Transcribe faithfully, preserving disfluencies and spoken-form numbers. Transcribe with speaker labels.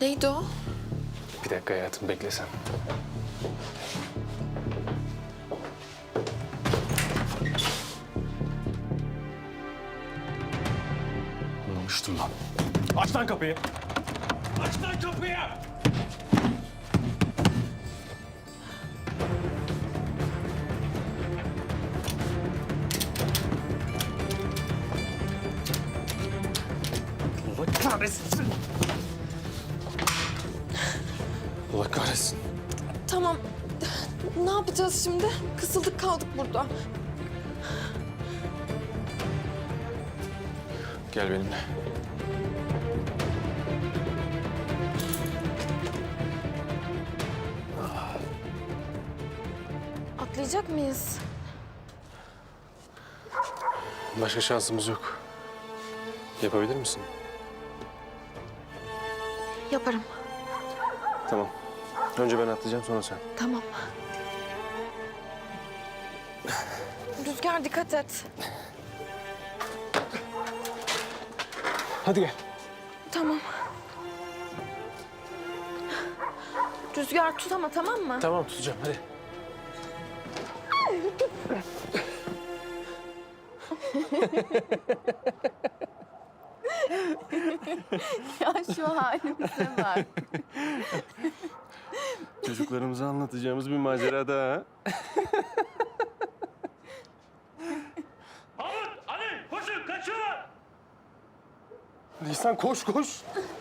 Speaker 1: Neydi o?
Speaker 2: Bir dakika hayatım, beklesen. Anlamıştım lan. Aç lan kapıyı. Aç lan kapıyı. Allah kahretsin. Allah kahretsin.
Speaker 1: Tamam. Ne yapacağız şimdi? Kısıldık kaldık burada.
Speaker 2: Gel benimle.
Speaker 1: Atlayacak mıyız?
Speaker 2: Başka şansımız yok. Yapabilir misin?
Speaker 1: Yaparım.
Speaker 2: Tamam. Önce ben atlayacağım, sonra sen.
Speaker 1: Tamam. Rüzgar dikkat et.
Speaker 2: Hadi gel.
Speaker 1: Tamam. Rüzgar tut ama, tamam mı?
Speaker 2: Tamam, tutacağım. Hadi.
Speaker 1: Ya şu halimize bak.
Speaker 2: Çocuklarımıza anlatacağımız bir macera daha. Ha?
Speaker 3: Mahmut, Ali, koşun, kaçıyorlar.
Speaker 2: Nisan koş koş.